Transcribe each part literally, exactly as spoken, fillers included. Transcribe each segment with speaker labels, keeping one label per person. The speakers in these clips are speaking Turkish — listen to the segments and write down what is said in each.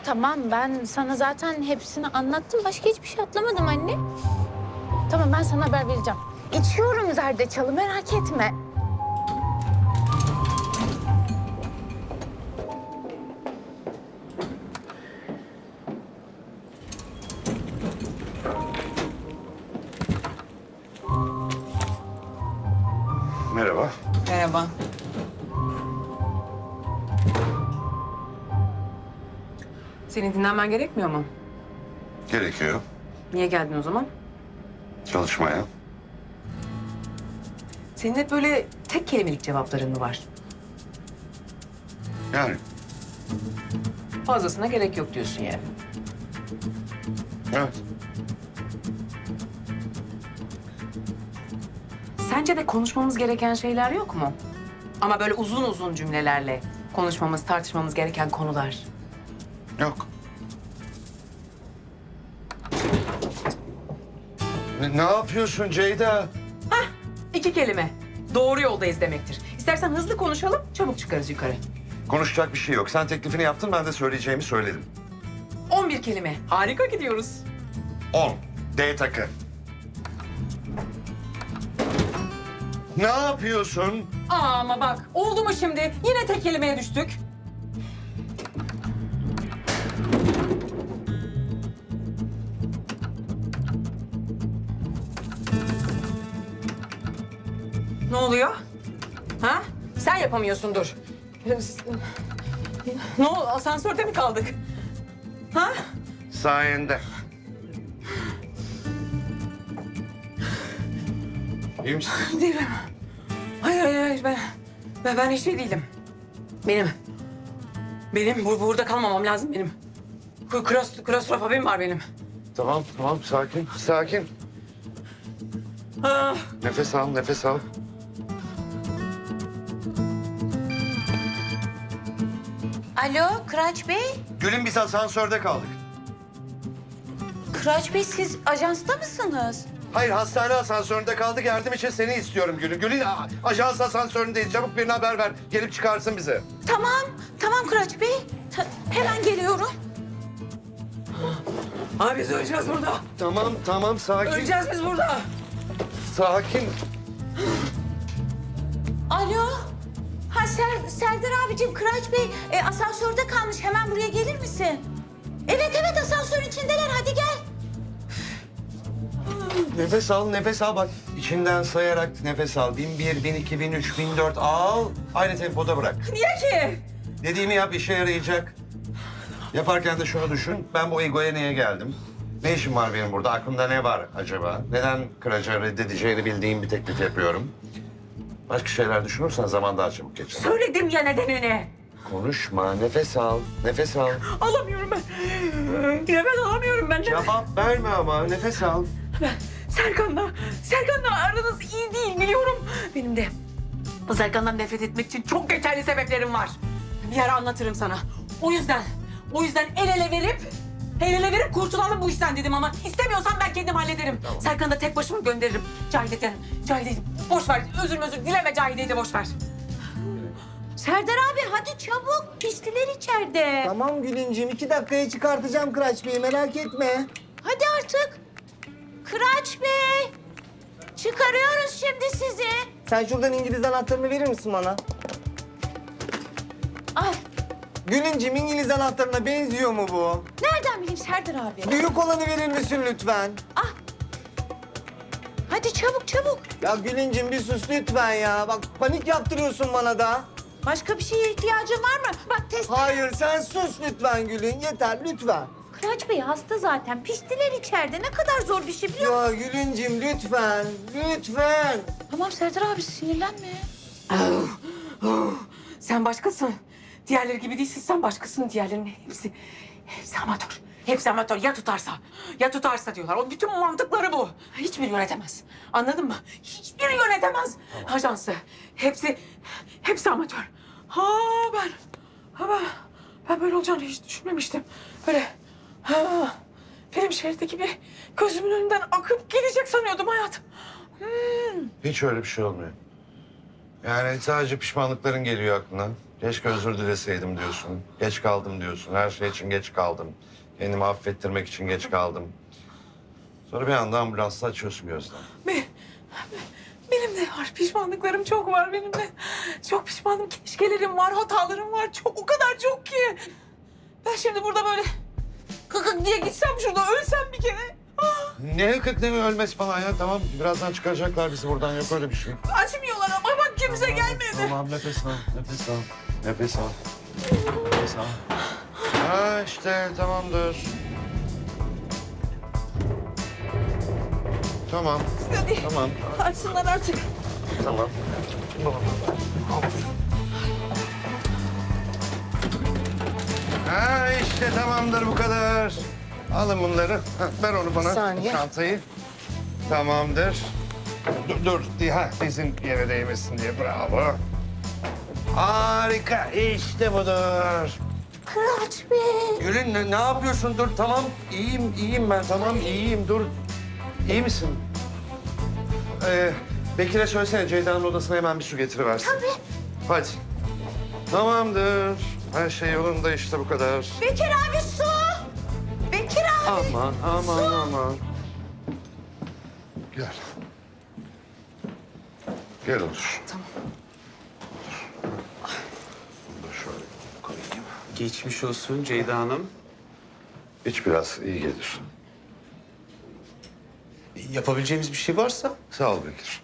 Speaker 1: tamam ben sana zaten hepsini anlattım. Başka hiçbir şey atlamadım anne. Tamam ben sana haber vereceğim. İçiyorum zerdeçalı merak etme.
Speaker 2: Merhaba.
Speaker 3: Merhaba. Senin dinlenmen gerekmiyor mu?
Speaker 2: Gerekiyor.
Speaker 3: Niye geldin o zaman?
Speaker 2: Çalışmaya.
Speaker 3: Senin hep böyle tek kelimelik cevapların mı var?
Speaker 2: Yani.
Speaker 3: Fazlasına gerek yok diyorsun yani.
Speaker 2: Evet.
Speaker 3: Sence de konuşmamız gereken şeyler yok mu? Ama böyle uzun uzun cümlelerle konuşmamız, tartışmamız gereken konular.
Speaker 2: Yok. Ne, ne yapıyorsun Ceyda?
Speaker 3: İki kelime. Doğru yoldayız demektir. İstersen hızlı konuşalım, çabuk çıkarız yukarı.
Speaker 2: Konuşacak bir şey yok. Sen teklifini yaptın, ben de söyleyeceğimi söyledim.
Speaker 3: On bir kelime. Harika gidiyoruz.
Speaker 2: On. D takı. Ne yapıyorsun?
Speaker 3: Aa, ama bak oldu mu şimdi? Yine tek kelimeye düştük. Ne oluyor? Ha? Sen yapamıyorsundur. Ne oldu? Asansörde mi kaldık? Ha?
Speaker 2: Sayende. İyi misin?
Speaker 3: Değilim. Hayır, hayır, hayır. Ben, ben, ben hiç şey değilim. Benim. Benim bu, burada kalmamam lazım benim. Kros, klostrofobim var benim.
Speaker 2: Tamam, tamam. Sakin, sakin.
Speaker 3: Ah.
Speaker 2: Nefes al, nefes al.
Speaker 1: Alo Kıraç Bey.
Speaker 2: Gül'ün biz asansörde kaldık.
Speaker 1: Kıraç Bey siz ajansta mısınız?
Speaker 2: Hayır, hastane asansöründe kaldık. Yardım için seni istiyorum Gül'ün. Gül'ün a- ajans asansöründeyiz. Çabuk birine haber ver. Gelip çıkarsın bizi.
Speaker 1: Tamam, tamam Kıraç Bey. Ta- hemen geliyorum.
Speaker 3: Abi biz öleceğiz burada.
Speaker 2: Tamam, tamam. Sakin.
Speaker 3: Öleceğiz biz burada.
Speaker 2: Sakin.
Speaker 1: Alo. Ha Ser, Serdar abicim Kıraç Bey e, asansörde kalmış. Hemen buraya gelir misin? Evet evet asansörün içindeler. Hadi gel.
Speaker 2: Nefes al, nefes al. Bak içinden sayarak nefes al. Bin bir, bin iki, bin üç, bin dört al. Aynı tempoda bırak.
Speaker 3: Niye ki?
Speaker 2: Dediğimi yap, işe yarayacak. Yaparken de şunu düşün. Ben bu egoya niye geldim? Ne işim var benim burada? Aklımda ne var acaba? Neden kıraca reddedeceğini bildiğim bir teklif yapıyorum? Başka şeyler düşünürsen zaman daha çabuk geçer.
Speaker 3: Söyledim ya nedenini.
Speaker 2: Konuşma, nefes al, nefes al.
Speaker 3: Alamıyorum ben. Nefes alamıyorum ben.
Speaker 2: Cevap verme ama, nefes al.
Speaker 3: Ben Serkan'la, Serkan'la aranız iyi değil biliyorum. Benim de o Serkan'dan nefret etmek için çok geçerli sebeplerim var. Bir ara anlatırım sana. O yüzden, o yüzden el ele verip, el ele verip kurtulalım bu işten dedim ama istemiyorsan ben kendim hallederim.
Speaker 2: Tamam.
Speaker 3: Serkan'ı da tek başıma gönderirim. Cahide'den, Cahide'yi boş ver. Özür özür dileme Cahide'yi de boş ver.
Speaker 1: Serdar abi hadi çabuk. Piştiler içeride.
Speaker 4: Tamam Gülüncüğüm, iki dakikaya çıkartacağım Kıraç Bey'i, merak etme.
Speaker 1: Hadi artık. Kıraç Bey. Çıkarıyoruz şimdi sizi.
Speaker 4: Sen şuradan İngiliz anahtarını verir misin bana?
Speaker 1: Ay
Speaker 4: Gülüncüğüm, İngiliz anahtarına benziyor mu bu?
Speaker 1: nereden bileyim Serdar abi?
Speaker 4: Büyük olanı verir misin lütfen?
Speaker 1: Hadi çabuk çabuk.
Speaker 4: Ya Gülüncüğüm bir sus lütfen ya. Bak panik yaptırıyorsun bana da.
Speaker 1: Başka bir şeye ihtiyacın var mı? Bak test.
Speaker 4: Hayır sen sus lütfen Gülün, yeter lütfen.
Speaker 1: Kıraç Bey hasta zaten. Piştiler içeride. Ne kadar zor bir şey biliyor musun?
Speaker 4: Ya Gülüncüğüm lütfen, lütfen.
Speaker 1: Tamam Serdar abi sinirlenme.
Speaker 3: Oh, oh. Sen başkasın. Diğerleri gibi değilsin. Sen başkasın. Diğerlerinin hepsi, hepsi amatör. Hepsi amatör. Ya tutarsa, ya tutarsa diyorlar. O bütün mantıkları bu. Hiçbir yönetemez. Anladın mı? Hiçbiri yönetemez ajansı. Hepsi, hepsi amatör. Ha ben, ha ben, ben böyle olacağını hiç düşünmemiştim. Böyle, ha, film şeridi gibi gözümün önünden akıp gidecek sanıyordum hayatım. Hmm.
Speaker 2: Hiç öyle bir şey olmuyor. Yani sadece pişmanlıkların geliyor aklına. Keşke özür dileseydim diyorsun. Geç kaldım diyorsun. Her şey için geç kaldım. Kendimi affettirmek için geç kaldım. Sonra bir anda ambulansla açıyorsun gözden.
Speaker 3: Be- Benim de var. Pişmanlıklarım çok var benim de. Çok pişmanım. Keşkelerim var, hatalarım var. Çok, o kadar çok ki. Ben şimdi burada böyle kıkık diye gitsem şurada ölsem bir kere. Ah,
Speaker 2: Ne hıkık ne ölmesi falan ya. Tamam birazdan çıkaracaklar bizi buradan. Yok öyle bir şey.
Speaker 3: açmıyorlar ama bak kimse gelmedi.
Speaker 2: Tamam nefes al, nefes al, nefes al. Nefes al. Ha işte tamamdır. Tamam,
Speaker 3: Hadi
Speaker 2: tamam,
Speaker 3: açsınlar artık.
Speaker 2: tamam. Ha işte tamamdır bu kadar. Alın bunları. Ha, ver onu bana.
Speaker 3: saniye.
Speaker 2: Çantayı. Tamamdır. Dur, dur. di- Ha, dizin yere değmesin diye. Bravo. Harika. İşte budur.
Speaker 1: Kıraç Bey.
Speaker 2: Gülün ne, ne yapıyorsun? Dur tamam. İyiyim, iyiyim ben. Tamam iyiyim. Dur. İyi misin? Ee, Bekir'e söylesene Ceyda'nın odasına hemen bir su getiriversin. Tabii. Hadi. Tamamdır. Her şey yolunda işte bu kadar.
Speaker 1: Bekir abi su. Bekir abi.
Speaker 2: Aman, aman, aman. Gel. Gel otur.
Speaker 3: Tamam.
Speaker 2: Bunu da şöyle koyayım.
Speaker 5: Geçmiş olsun Ceyda Hanım.
Speaker 2: İç biraz, iyi gelir.
Speaker 5: Yapabileceğimiz bir şey varsa.
Speaker 2: Sağ ol Bekir.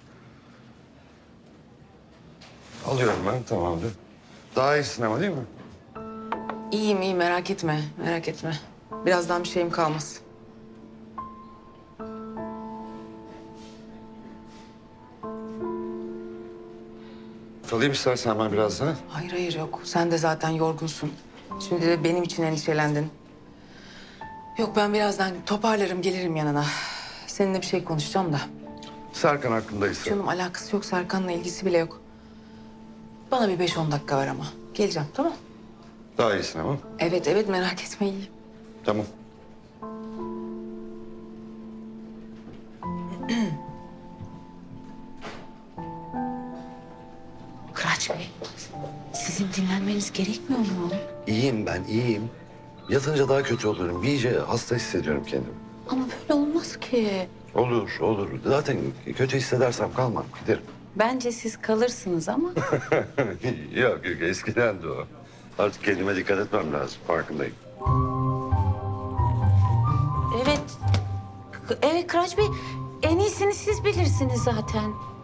Speaker 2: Alıyorum ben, tamamdır. Daha iyisin ama değil mi?
Speaker 3: İyiyim iyi merak etme merak etme. Birazdan bir şeyim kalmaz.
Speaker 2: Alayım istersen ben biraz daha.
Speaker 3: Hayır hayır yok. Sen de zaten yorgunsun. Şimdi de benim için endişelendin. Yok ben birazdan toparlarım gelirim yanına. Seninle bir şey konuşacağım da.
Speaker 2: Serkan hakkındaysa.
Speaker 3: Canım alakası yok Serkan'la ilgisi bile yok. Bana bir beş on dakika ver ama. Geleceğim tamam.
Speaker 2: Daha iyisin ama.
Speaker 3: Evet evet merak etme iyiyim.
Speaker 2: Tamam.
Speaker 1: Kıraç Bey. Sizin dinlenmeniz gerekmiyor mu?
Speaker 2: İyiyim ben, iyiyim. Yatınca daha kötü olurum. İyice hasta hissediyorum kendimi.
Speaker 1: Ama böyle olmaz ki.
Speaker 2: Olur, olur. Zaten kötü hissedersem kalmam, giderim.
Speaker 1: Bence siz kalırsınız ama.
Speaker 2: yok yok, eskiden de o. Artık kendime dikkat etmem lazım, farkındayım.
Speaker 1: Evet. K- Evet Kıraç Bey. En iyisini siz bilirsiniz zaten.